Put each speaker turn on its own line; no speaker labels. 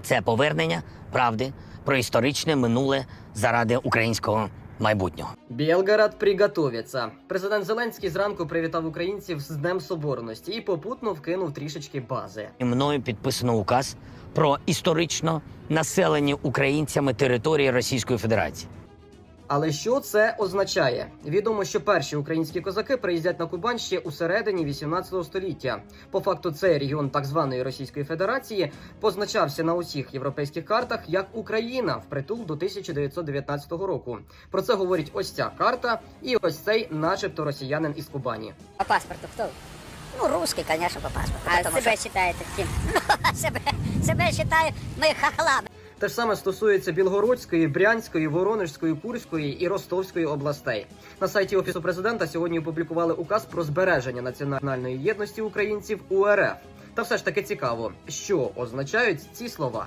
Це повернення правди про історичне минуле заради українського майбутнього.
Білгород приготовиться. Президент Зеленський зранку привітав українців з Днем Соборності і попутно вкинув трішечки бази.
І мною підписано указ про історично населені українцями території Російської Федерації.
Але що це означає? Відомо, що перші українські козаки приїздять на Кубань ще у середині 18 століття. По факту, цей регіон так званої Російської Федерації позначався на усіх європейських картах як Україна впритул до 1919 року. Про це говорить ось ця карта і ось цей начебто росіянин із Кубані.
По паспорту кто?
Ну, русский, конечно, по паспорту.
А
потому
себя
что-
считаете кем?
себя считаю мы хохлами.
Те ж саме стосується Білгородської, Брянської, Воронежської, Курської і Ростовської областей. На сайті Офісу президента сьогодні опублікували указ про збереження національної єдності українців у РФ. Та все ж таки цікаво, що означають ці слова.